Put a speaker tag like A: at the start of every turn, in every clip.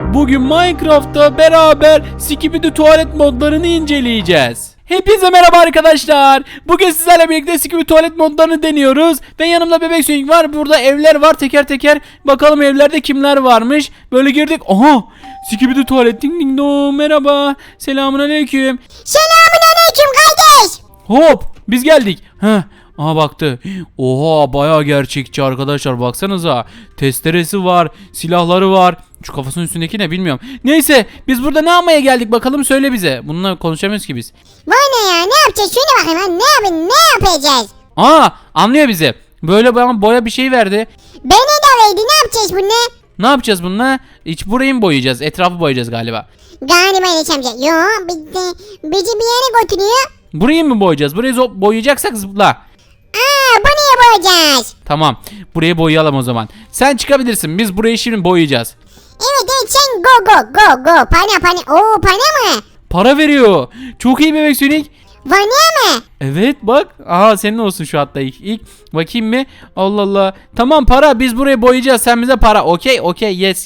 A: Bugün Minecraft'ta beraber Skibidi tuvalet modlarını inceleyeceğiz. Hepinize merhaba arkadaşlar. Bugün sizlerle birlikte Skibidi tuvalet modlarını deniyoruz. Ve yanımda Bebek Sonic var. Burada evler var teker teker. Bakalım evlerde kimler varmış. Böyle girdik. Aha! Skibidi tuvalet ding ding dong. Merhaba. Selamünaleyküm.
B: Selamünaleyküm kardeş.
A: Hop! Biz geldik. Heh. Aha baktı. Oha bayağı gerçekçi arkadaşlar, baksanıza. Testeresi var, silahları var. Şu kafasının üstündeki ne bilmiyorum. Neyse biz burada ne yapmaya geldik bakalım, söyle bize. Bununla konuşamıyoruz ki biz.
B: Vay ne ya, ne yapacağız? Şöyle bakayım ha, ne yapacağız?
A: Aa, anlıyor bizi. Böyle bana boya bir şey verdi.
B: Beni de verdi, ne yapacağız bununla?
A: Ne yapacağız bununla? İç burayı mı boyayacağız? Etrafı boyayacağız galiba.
B: Galiba Enes amca. Yo, bizi bir yere götürüyor.
A: Burayı mı boyayacağız? Burayı boyayacaksak zıpla.
B: Bu niye boyayacağız?
A: Tamam. Burayı boyayalım o zaman. Sen çıkabilirsin. Biz burayı şimdi boyayacağız.
B: Evet sen go. Pana. Oo, pana mı?
A: Para veriyor. Çok iyi Bebek Sonic.
B: Vay ne mi?
A: Evet bak. Aha senin olsun şu hatta ilk. Bakayım mı? Allah Allah. Tamam para, biz burayı boyayacağız. Sen bize para. Okey. Yes.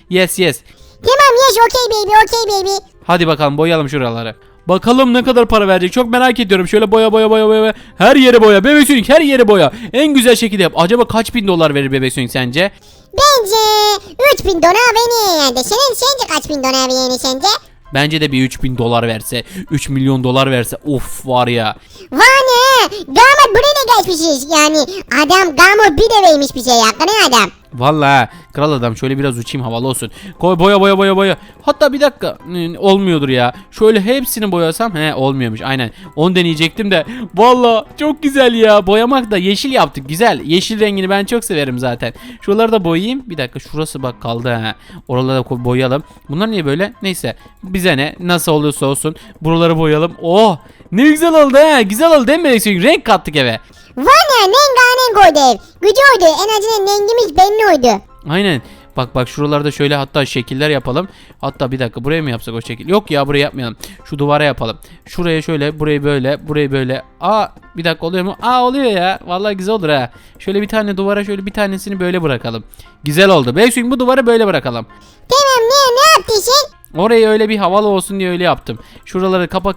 B: Tamam yes, okay baby.
A: Hadi bakalım boyayalım şuraları. Bakalım ne kadar para verecek, çok merak ediyorum. Şöyle boya. Her yere boya. Bebek Sonic her yere boya. En güzel şekilde yap. Acaba kaç bin dolar verir Bebek Sonic sence?
B: Bence 3000 dolar beni yani. Sence kaç bin dolar yani sence?
A: Bence de bir 3000 dolar verse, 3 milyon dolar verse, of var ya.
B: Vay ne? Gamot buraya da geçmişiz yani. Adam Gamot bir de vermiş bize ya. Ne adam?
A: Vallahi kral adam, şöyle biraz uçayım havalı olsun. Koy boya. Hatta bir dakika, olmuyordur ya. Şöyle hepsini boyasam olmuyormuş. Aynen. Onu deneyecektim de. Vallahi çok güzel ya. Boyamak da yeşil yaptık. Güzel. Yeşil rengini ben çok severim zaten. Şuraları da boyayayım. Bir dakika, şurası bak kaldı ha. Oraları da boyayalım. Bunlar niye böyle? Neyse. Bize ne? Nasıl olursa olsun. Buraları boyayalım. Oh! Ne güzel oldu ha. Güzel oldu değil mi? Renk kattık eve.
B: Vay ne? Nenganen koydu ev. Güzel oldu. En azından rengimiz belli oldu.
A: Aynen. Bak şuralarda şöyle hatta şekiller yapalım. Hatta bir dakika, buraya mı yapsak o şekil? Yok ya, buraya yapmayalım. Şu duvara yapalım. Şuraya şöyle, burayı böyle. Bir dakika, oluyor mu? Oluyor ya. Vallahi güzel olur ha. Şöyle bir tane duvara şöyle bir tanesini böyle bırakalım. Güzel oldu. Belki bu duvarı böyle bırakalım.
B: Tamam ne yaptın sen?
A: Orayı öyle bir havalı olsun diye öyle yaptım. Şuraları kapa.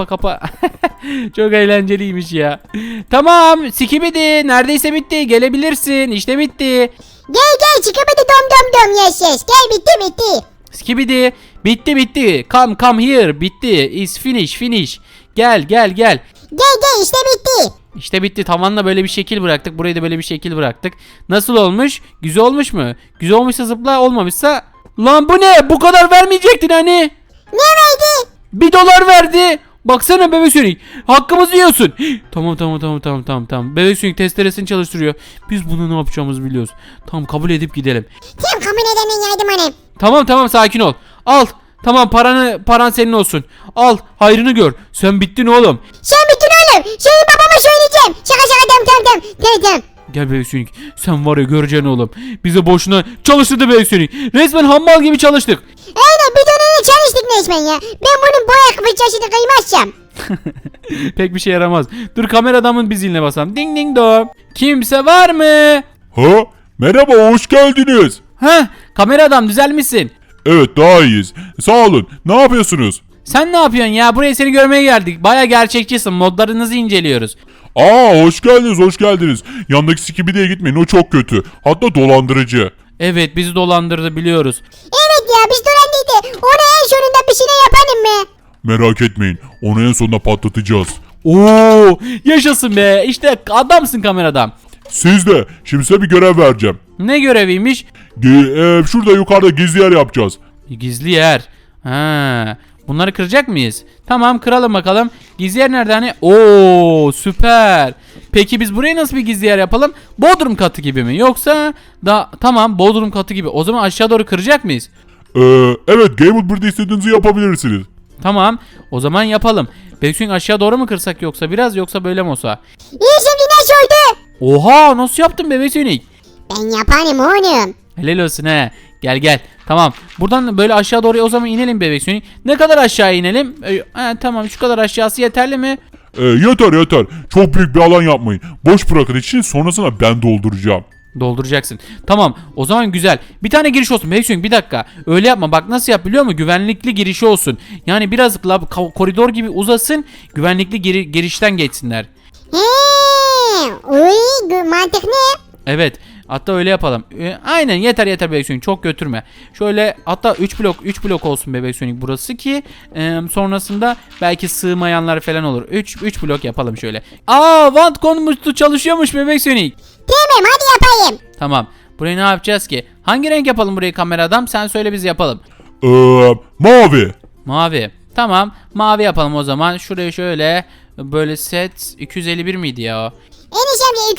A: Çok eğlenceliymiş ya. Tamam, Skibidi neredeyse bitti. Gelebilirsin. İşte bitti.
B: Gel çıkamadı dom yes. Gel bitti.
A: Skibidi bitti. Come here. Bitti. Is finish. Gel.
B: Gel işte bitti.
A: İşte bitti. Tavanla böyle bir şekil bıraktık. Burayı da böyle bir şekil bıraktık. Nasıl olmuş? Güzel olmuş mu? Güzel olmuşsa zıpla, olmamışsa... Lan bu ne? Bu kadar vermeyecektin hani.
B: Ne verdi?
A: $1 verdi. Baksana Bebek Sonic. Hakkımızı yiyorsun. Tamam. Bebek Sonic testeresini çalıştırıyor. Biz bunu ne yapacağımızı biliyoruz. Tamam, kabul edip gidelim.
B: Kim kabul edenin yardım hanım?
A: Tamam sakin ol. Al. Tamam, paran senin olsun. Al, hayrını gör. Sen bittin oğlum.
B: Sen bittin oğlum. Senin babama söyleyeceğim. Şaka tamam.
A: Gel Bebek Sonic. Sen var ya, göreceksin oğlum. Bize boşuna çalıştırdı Bebek Sonic. Resmen hammal gibi çalıştık.
B: Aynen, bir dönene çalıştık resmen ya. Ben bunun boya fırçasını kıymazsam.
A: Pek bir şey yaramaz. Dur, kamera adamın bir ziline basalım. Ding ding dong. Kimse var mı?
C: Ha? Merhaba, hoş geldiniz.
A: Kamera adam, düzelmişsin.
C: Evet, daha iyiyiz. Sağ olun. Ne yapıyorsunuz?
A: Sen ne yapıyorsun ya? Buraya seni görmeye geldik. Baya gerçekçisin. Modlarınızı inceliyoruz.
C: Hoş geldiniz. Yandaki Skibidi'ye gitmeyin, o çok kötü. Hatta dolandırıcı.
A: Evet, bizi dolandırdı, biliyoruz.
B: Evet ya, biz dolandıydı. Ona en sonunda bir şeyler yapalım mı?
C: Merak etmeyin, onu en sonunda patlatacağız.
A: Oo, yaşasın be. İşte adamsın kamera adam.
C: Siz de, şimdi size bir görev vereceğim.
A: Ne göreviymiş?
C: Şurada yukarıda gizli yer yapacağız.
A: Gizli yer. Bunları kıracak mıyız? Tamam, kıralım bakalım. Gizli yer nerede hani? Oo, süper. Peki biz buraya nasıl bir gizli yer yapalım? Bodrum katı gibi mi? Yoksa tamam, Bodrum katı gibi. O zaman aşağı doğru kıracak mıyız?
C: Evet, Gamewood burada istediğinizi yapabilirsiniz.
A: Tamam, o zaman yapalım. Belki aşağı doğru mu kırsak, yoksa böyle mi olsa?
B: İyi, şimdi ne söyledi?
A: Oha, nasıl yaptın Bebek Sonic?
B: Ben yaparım oğlum.
A: Helal olsun he. Gel. Tamam. Buradan böyle aşağı doğru o zaman inelim Bebek Sonic. Ne kadar aşağı inelim? Tamam, şu kadar aşağısı yeterli mi?
C: Yeter. Çok büyük bir alan yapmayın. Boş bırakın için, sonrasında ben dolduracağım.
A: Dolduracaksın. Tamam. O zaman güzel. Bir tane giriş olsun. Bebek Sonic bir dakika. Öyle yapma. Bak nasıl yap biliyor musun? Güvenlikli girişi olsun. Yani biraz koridor gibi uzasın. Güvenlikli girişten geçsinler.
B: Mantık ne?
A: Evet. Hatta öyle yapalım. Aynen yeter Bebek Sonic, çok götürme. Şöyle hatta 3 blok olsun Bebek Sonic burası ki sonrasında belki sığmayanlar falan olur. 3 blok yapalım şöyle. Vant konmuştu, çalışıyormuş Bebek Sonic.
B: Tamam hadi yapayım.
A: Tamam. Burayı ne yapacağız ki? Hangi renk yapalım burayı kamera adam? Sen söyle biz yapalım.
C: Mavi.
A: Mavi. Tamam. Mavi yapalım o zaman. Şuraya şöyle böyle set 251 miydi ya o?
B: Enes amca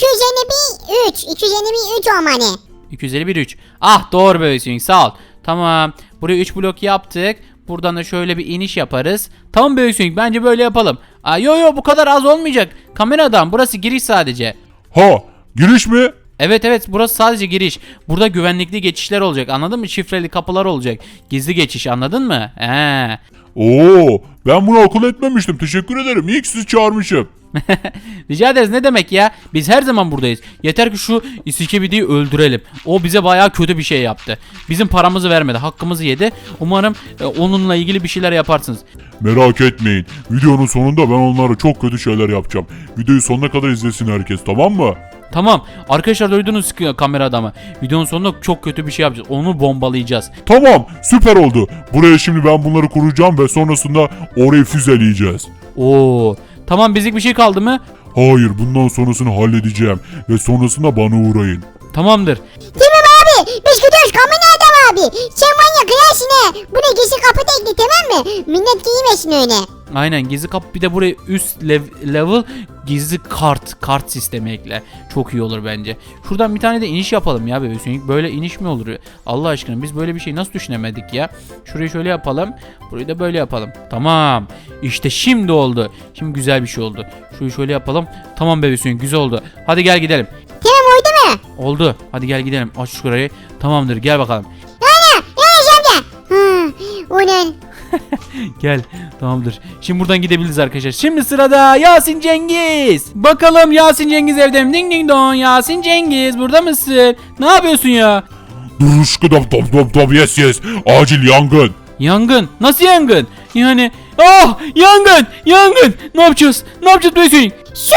B: 251 3 olmalı.
A: 251 3. Ah doğru Bebek Sonic, sağ ol. Tamam. Buraya 3 blok yaptık. Buradan da şöyle bir iniş yaparız. Tamam Bebek Sonic, bence böyle yapalım. Yo bu kadar az olmayacak. Kamera adam, burası giriş sadece.
C: Giriş mi?
A: Evet burası sadece giriş. Burada güvenlikli geçişler olacak, anladın mı? Şifreli kapılar olacak. Gizli geçiş, anladın mı?
C: Ben bunu akıl etmemiştim. Teşekkür ederim. İyi ki sizi çağırmışım.
A: Rica ederiz, ne demek ya? Biz her zaman buradayız. Yeter ki şu İSKBD'yi öldürelim. O bize bayağı kötü bir şey yaptı. Bizim paramızı vermedi, hakkımızı yedi. Umarım onunla ilgili bir şeyler yaparsınız.
C: Merak etmeyin. Videonun sonunda ben onlara çok kötü şeyler yapacağım. Videoyu sonuna kadar izlesin herkes, tamam mı?
A: Tamam. Arkadaşlar duydunuz kamera adamı. Videonun sonunda çok kötü bir şey yapacağız. Onu bombalayacağız.
C: Tamam, süper oldu. Buraya şimdi ben bunları kuracağım ve sonrasında orayı füzeleyeceğiz.
A: Tamam, bizlik bir şey kaldı mı?
C: Hayır, bundan sonrasını halledeceğim ve sonrasında bana uğrayın.
A: Tamamdır.
B: Tamam abi biz gidiyoruz kamera adam abi. Sen manyak kıyarsın he. Bu ne gizli kapı tekli tamam mı? Millet giymesin öyle.
A: Aynen, gizli kapı, bir de buraya üst level gizli kart sistemi ekle. Çok iyi olur bence. Şuradan bir tane de iniş yapalım ya Bebek Sonic. Böyle iniş mi olur? Allah aşkına biz böyle bir şey nasıl düşünemedik ya? Şurayı şöyle yapalım. Burayı da böyle yapalım. Tamam. İşte şimdi oldu. Şimdi güzel bir şey oldu. Şurayı şöyle yapalım. Tamam Bebek Sonic, güzel oldu. Hadi gel gidelim.
B: Tamam oldu mu?
A: Oldu. Hadi gel gidelim. Aç şurayı. Tamamdır, gel bakalım.
B: Ana Enes amca. O ne?
A: Gel. Tamamdır. Şimdi buradan gidebiliriz arkadaşlar. Şimdi sırada Yasin Cengiz. Bakalım Yasin Cengiz evde mi? Ding ding dong. Yasin Cengiz burada mısın? Ne yapıyorsun ya?
C: Duruşku dop yes. Acil yangın.
A: Yangın. Nasıl yangın? Yani yangın. Ne yapacağız? Ne yapacağız Bebek Sonic?
B: Su.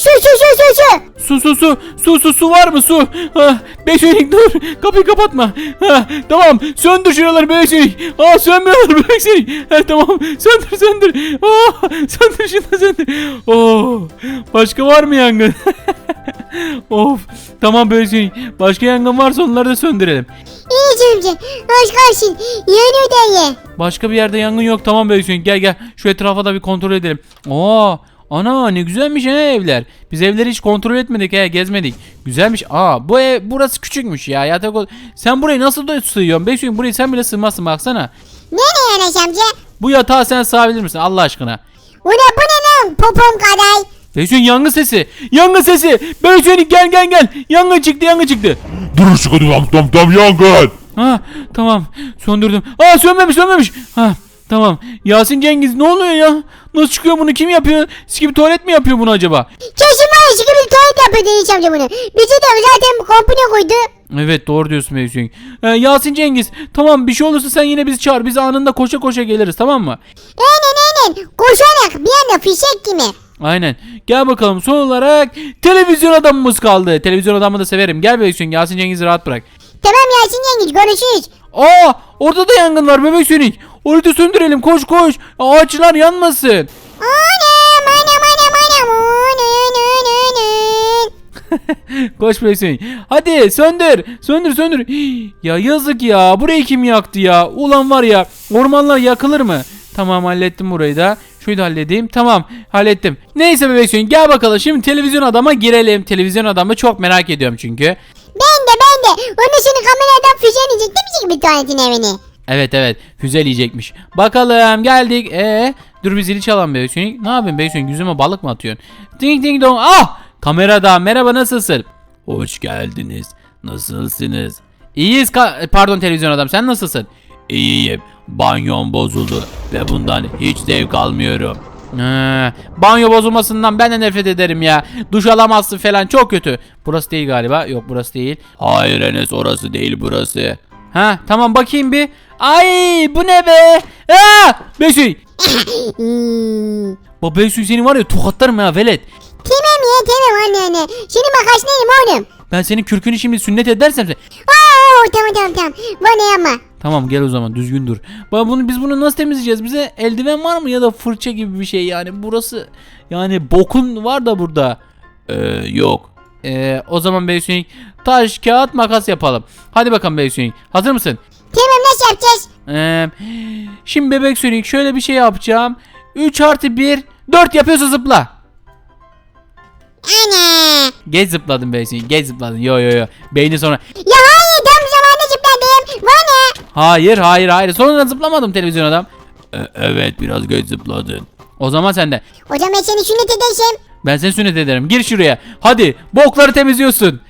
A: Su var mı su? Bebek Sonic dur. Kapıyı kapatma. Tamam. Söndür şuraları Bebek Sonic. Sönmüyorlar Bebek Sonic. Tamam. Söndür. Söndür şunu söndür. Başka var mı yangın? Of. Tamam Bebek Sonic. Başka yangın varsa onları da söndürelim.
B: Enes amca hoş kalsın. Yanıyor dayı.
A: Başka bir yerde yangın yok. Tamam Bebek Sonic, gel. Şu etrafa da bir kontrol edelim. Ana ne güzelmiş evler. Biz evleri hiç kontrol etmedik, gezmedik. Güzelmiş. Burası küçükmüş ya. Sen burayı nasıl sığıyorsun? Bebek Sonic, burayı sen bile sığmazsın, baksana.
B: Ne Enes amca?
A: Bu yatağı sen sığabilir misin Allah aşkına?
B: Bu ne lan popom kadar.
A: Bebek Sonic, yangın sesi. Bebek Sonic gel. Yangın çıktı.
C: Duruşku dop yangın.
A: Tamam, söndürdüm. Sönmemiş. Tamam. Yasin Cengiz, ne oluyor ya? Nasıl çıkıyor, bunu kim yapıyor? Skip tuvalet mi yapıyor bunu acaba?
B: Kesin var ya gibi tuvalet yapıyor Enes amca bunu. Bizi de zaten kompune koydu.
A: Evet, doğru diyorsun Bebek Sonic. Yasin Cengiz, tamam, bir şey olursa sen yine bizi çağır. Biz anında koşa geliriz, tamam mı?
B: Aynen. Koşarak bir anda fişek gibi.
A: Aynen. Gel bakalım, son olarak televizyon adamımız kaldı. Televizyon adamı da severim. Gel Bebek Sonic, Yasin Cengiz'i rahat bırak.
B: Tamam Yasin Cengiz görüşürüz.
A: Orada da yangın var Bebek Sonic. Orayı da söndürelim, koş. Ağaçlar yanmasın.
B: Anam.
A: Koş Bebek Sonic. Hadi söndür. Ya yazık ya, burayı kim yaktı ya? Ulan var ya, ormanlar yakılır mı? Tamam, hallettim burayı da. Şunu da halledeyim. Tamam, hallettim. Neyse Bebek Sonic, gel bakalım. Şimdi televizyon adama girelim. Televizyon adamı çok merak ediyorum çünkü.
B: Ben de. Onun şimdi kameradan füzeleyecek değil mi bir tuvaletin evini?
A: Evet, füzeleyecekmiş. Bakalım, geldik. Dur bir zili çalalım Bebek Sonic. Ne yapayım Bebek Sonic, yüzüme balık mı atıyorsun? Ding ding dong. Kamerada merhaba, nasılsın? Hoş geldiniz. Nasılsınız? İyiyiz. Pardon televizyon adam, sen nasılsın? İyiyim. Banyom bozuldu ve bundan hiç zevk almıyorum. Banyo bozulmasından ben de nefret ederim ya. Duş alamazsın falan, çok kötü. Burası değil galiba. Yok, burası değil. Hayır Enes, orası değil, burası. Ha tamam, bakayım bir. Ay bu ne be? Beysuy.
B: Hmm.
A: Baba Beysuy, seni var ya tokatlarım ya velet.
B: Tamam ya tamam anne. Şimdi makas neyim oğlum?
A: Ben senin kürkünü şimdi sünnet edersem sen...
B: Oo tamam. Bana yapma.
A: Tamam gel o zaman, düzgün dur. Biz bunu nasıl temizleyeceğiz? Bize eldiven var mı ya da fırça gibi bir şey yani, burası yani bokun var da burada. Yok. O zaman Beysuy, taş kağıt makas yapalım. Hadi bakalım Beysuy, hazır mısın?
B: Tamam, nasıl yapacağız?
A: Şimdi bebek Sonic, şöyle bir şey yapacağım. 3 artı 1 4 yapıyorsa zıpla.
B: Ana.
A: Geç zıpladın Bebek Sonic, geç zıpladın. Yo. Beyni sonra.
B: Ya hayır, tam zamanında zıpladım. Bana.
A: Hayır. Sonra zıplamadım televizyon adam. Evet, biraz geç zıpladın. O zaman sen de.
B: O zaman ben seni sünnet edeceğim.
A: Ben seni sünnet ederim. Gir şuraya. Hadi bokları temizliyorsun.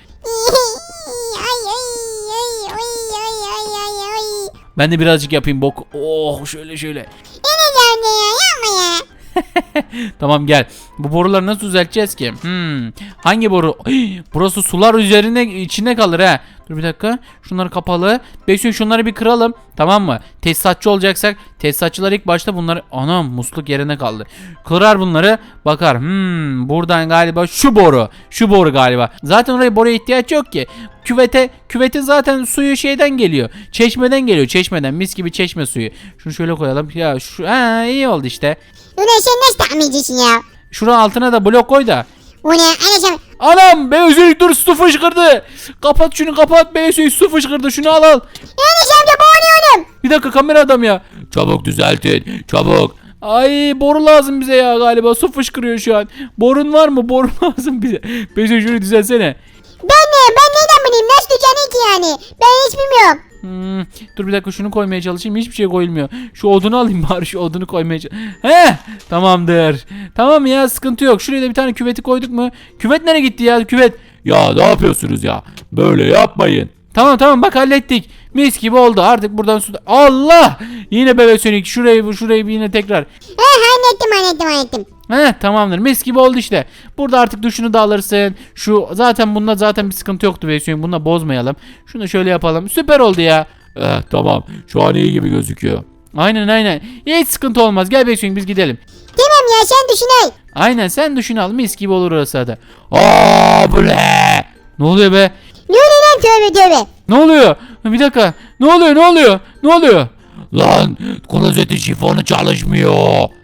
A: Ben de birazcık yapayım bok. Oh şöyle.
B: Enes amca ya, yapma ya.
A: Tamam gel. Bu boruları nasıl düzelteceğiz ki? Hangi boru? Burası sular üzerinde, içinde kalır ha. Dur bir dakika. Şunları kapalı. Bekleyin, şunları bir kıralım. Tamam mı? Tesisatçı olacaksak tesisatçılar ilk başta bunları... Anam, musluk yerine kaldı. Kırar bunları. Bakar. Buradan galiba şu boru galiba. Zaten oraya boruya ihtiyaç yok ki. Küvetin zaten suyu şeyden geliyor. Çeşmeden geliyor. Çeşmeden. Mis gibi çeşme suyu. Şunu şöyle koyalım. Ya iyi oldu işte.
B: Ulan sen nasıl tahmin edeceksin ya?
A: Şuranın altına da blok koy da.
B: O ne? Enes amca.
A: Anam, Beysuy dur, su fışkırdı. Kapat şunu, kapat Beysuy, su fışkırdı, şunu al.
B: Enes amca, boğuluyorum.
A: Bir dakika, kamera adam ya. Çabuk düzeltin, çabuk. Ay boru lazım bize ya, galiba su fışkırıyor şu an. Borun var mı? Boru lazım bize. Beysuy şunu düzelsene.
B: Ben neyden bileyim? Nasıl diyeceksin ki yani? Ben hiç bilmiyorum.
A: Dur bir dakika, şunu koymaya çalışayım, hiçbir şey koyulmuyor. Şu odunu alayım bari, şu odunu koymaya çalışayım. Tamamdır. Tamam ya, sıkıntı yok. Şuraya da bir tane küveti koyduk mu? Küvet nereye gitti ya, küvet? Ya ne yapıyorsunuz ya? Böyle yapmayın. Tamam bak, hallettik. Mis gibi oldu, artık buradan su... Allah! Yine Bebek Sonic, şurayı bir yine tekrar.
B: Hallettim.
A: Tamamdır, mis gibi oldu işte. Burada artık duşunu da alırsın. Bunda zaten bir sıkıntı yoktu Bebek Sonic, bunu da bozmayalım. Şunu şöyle yapalım, süper oldu ya. Tamam, şu an iyi gibi gözüküyor. Aynen. Hiç sıkıntı olmaz, gel Bebek Sonic, biz gidelim.
B: Tamam ya, sen düşün.
A: Aynen, sen duşunu al, mis gibi olur orası da. Bu ne? Ne oluyor be?
B: Ne oluyor lan, tövbe.
A: Ne oluyor? Bir dakika. Ne oluyor? Lan klozetin şifonu çalışmıyor.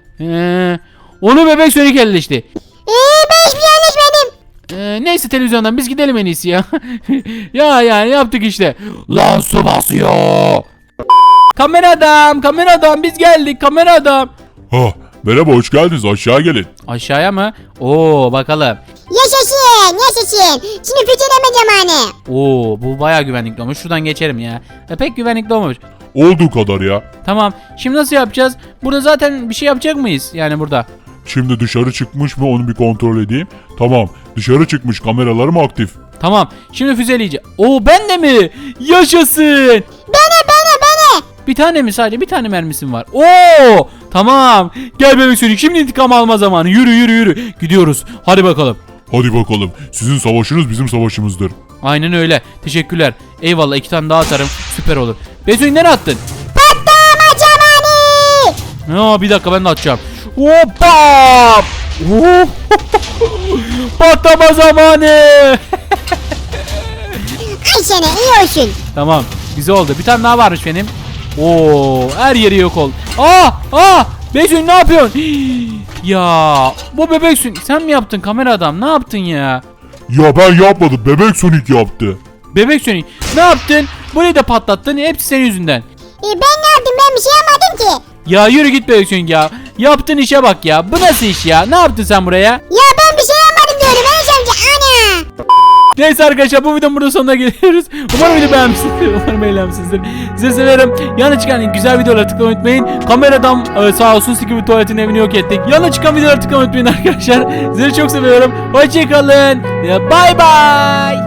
A: Onu Bebek Sonic elleşti.
B: Ben hiçbir şey anlaşmadım.
A: Neyse, televizyondan biz gidelim en iyisi ya. Ya yani yaptık işte. Lan su basıyor. Kamera adam biz geldik, kamera adam.
C: Merhaba, hoş geldiniz, aşağı gelin.
A: Aşağıya mı? Oo bakalım.
B: Yaşasın. Şimdi füzeleme zamanı.
A: Oo bu bayağı güvenlikli olmuş. Şuradan geçerim ya. Pek güvenlikli olmamış.
C: Olduğu kadar ya.
A: Tamam. Şimdi nasıl yapacağız? Burada zaten bir şey yapacak mıyız? Yani burada.
C: Şimdi dışarı çıkmış mı onu bir kontrol edeyim. Tamam, dışarı çıkmış, kameralarım aktif.
A: Tamam. Şimdi füzeleyeceğim. Oo ben de mi? Yaşasın.
B: Bana.
A: Bir tane mi, sadece bir tane mermisim var. Oo tamam. Gel Bebek Sonic, şimdi intikam alma zamanı. Yürü. Gidiyoruz. Hadi bakalım.
C: Hadi bakalım, sizin savaşınız bizim savaşımızdır.
A: Aynen öyle. Teşekkürler. Eyvallah, 2 tane daha atarım. Süper olur. Bebek Sonic nereye attın?
B: Patlama zamanı.
A: Bir dakika, ben de atacağım. Hoppa! Patlama zamanı.
B: Ay sana, iyi olsun.
A: Tamam. Güzel oldu. Bir tane daha varmış benim. Oo, her yeri yok oldu. Bebek Sonic ne yapıyorsun? Ya bu Bebek Sonic, sen mi yaptın kamera adam? Ne yaptın ya?
C: Ya ben yapmadım, Bebek Sonic yaptı.
A: Bebek Sonic ne yaptın? Burayı da patlattın. Hepsi senin yüzünden.
B: Ben ne yaptım? Ben bir şey yapmadım ki.
A: Ya yürü git Bebek Sonic ya. Yaptığın işe bak ya. Bu nasıl iş ya? Ne yaptın sen buraya?
B: Ya ben bir şey yapmadım diyorum. Enes amca, ana.
A: Neyse arkadaşlar, bu videonun burada sonuna geliyoruz. Umarım video beğenmişsinizdir. Umarım eğlenmişsinizdir. Size severim. Yana çıkan güzel videoları tıklamayı unutmayın. Kameradan sağ olsun Skibidi Tuvalet'in evini yok ettik. Yana çıkan videoları tıklamayı unutmayın arkadaşlar. Sizleri çok seviyorum. Hoşçakalın. Bye bye.